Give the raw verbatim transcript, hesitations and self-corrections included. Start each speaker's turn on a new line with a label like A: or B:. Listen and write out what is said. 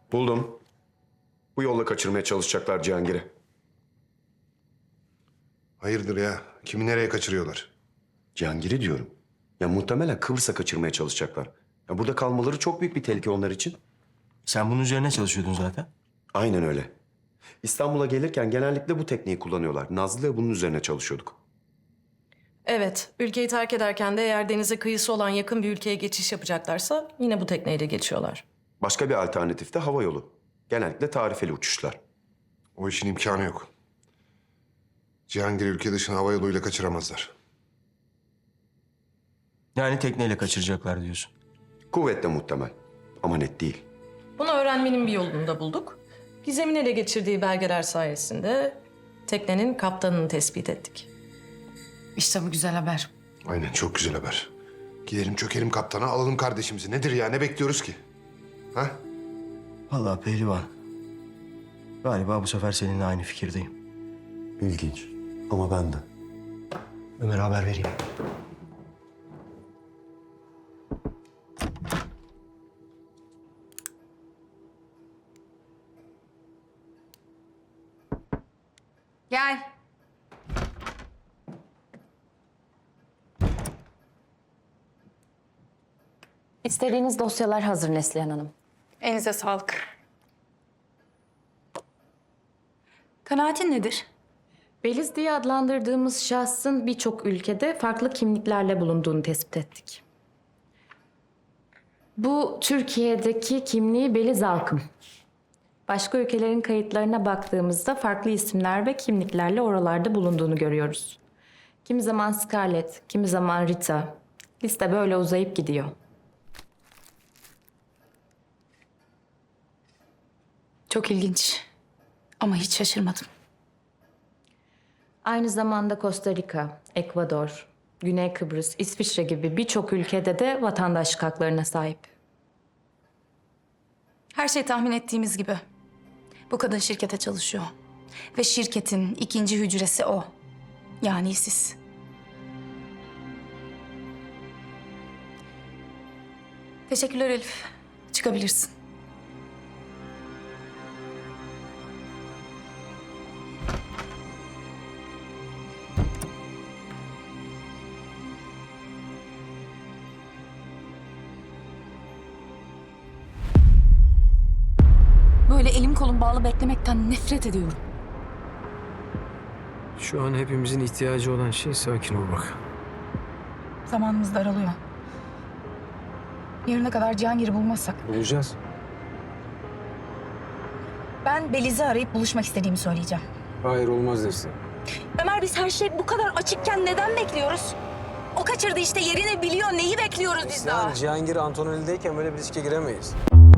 A: Buldum. Bu yolla kaçırmaya çalışacaklar Cihangir'i.
B: Hayırdır ya? Kimi nereye kaçırıyorlar?
A: Cihangir'i diyorum. Ya muhtemelen Kıbrıs'a kaçırmaya çalışacaklar. Ya burada kalmaları çok büyük bir tehlike onlar için.
C: Sen bunun üzerine çalışıyordun zaten.
A: Aynen öyle. İstanbul'a gelirken genellikle bu tekniği kullanıyorlar. Nazlı'yla bunun üzerine çalışıyorduk.
D: Evet, ülkeyi terk ederken de eğer denize kıyısı olan yakın bir ülkeye geçiş yapacaklarsa yine bu tekneyle geçiyorlar.
A: Başka bir alternatif de hava yolu. Genellikle tarifeli uçuşlar.
B: O işin imkanı yok. Cihangir'i ülke dışına hava yoluyla kaçıramazlar.
C: Yani tekneyle kaçıracaklar diyorsun.
A: Kuvvetle muhtemel ama net değil.
D: Bunu öğrenmenin bir yolunu da bulduk. Gizem'in ele geçirdiği belgeler sayesinde teknenin kaptanını tespit ettik.
E: İşte bu güzel haber.
B: Aynen, çok güzel haber. Gidelim çökelim kaptana, alalım kardeşimizi. Nedir ya, ne bekliyoruz ki? Ha?
C: Vallahi pehlivan. Galiba bu sefer seninle aynı fikirdeyim.
A: İlginç ama ben de.
C: Ömer'e haber vereyim.
E: Gel.
F: İstediğiniz dosyalar hazır Neslihan Hanım.
E: Elinize sağlık. Kanaatin nedir?
F: Beliz diye adlandırdığımız şahsın birçok ülkede farklı kimliklerle bulunduğunu tespit ettik. Bu Türkiye'deki kimliği Beliz Alkım. Başka ülkelerin kayıtlarına baktığımızda farklı isimler ve kimliklerle oralarda bulunduğunu görüyoruz. Kimi zaman Scarlett, kimi zaman Rita. Liste böyle uzayıp gidiyor.
E: Çok ilginç. Ama hiç şaşırmadım.
F: Aynı zamanda Costa Rica, Ekvador, Güney Kıbrıs, İsviçre gibi birçok ülkede de vatandaşlık haklarına sahip.
E: Her şey tahmin ettiğimiz gibi. Bu kadın şirkete çalışıyor. Ve şirketin ikinci hücresi o. Yani siz. Teşekkürler Elif. Çıkabilirsin. Böyle elim kolum bağlı beklemekten nefret ediyorum.
G: Şu an hepimizin ihtiyacı olan şey sakin olmak.
E: Zamanımız daralıyor. Yarına kadar Cihangir'i bulmazsak.
G: Bulacağız.
E: Ben Beliz'i arayıp buluşmak istediğimi söyleyeceğim.
G: Hayır, olmaz dersin.
E: Ömer, biz her şey bu kadar açıkken neden bekliyoruz? O kaçırdı işte, yerini biliyor. Neyi bekliyoruz biz daha?
G: Yani Cihangir Antonelli'deyken böyle bir riske giremeyiz.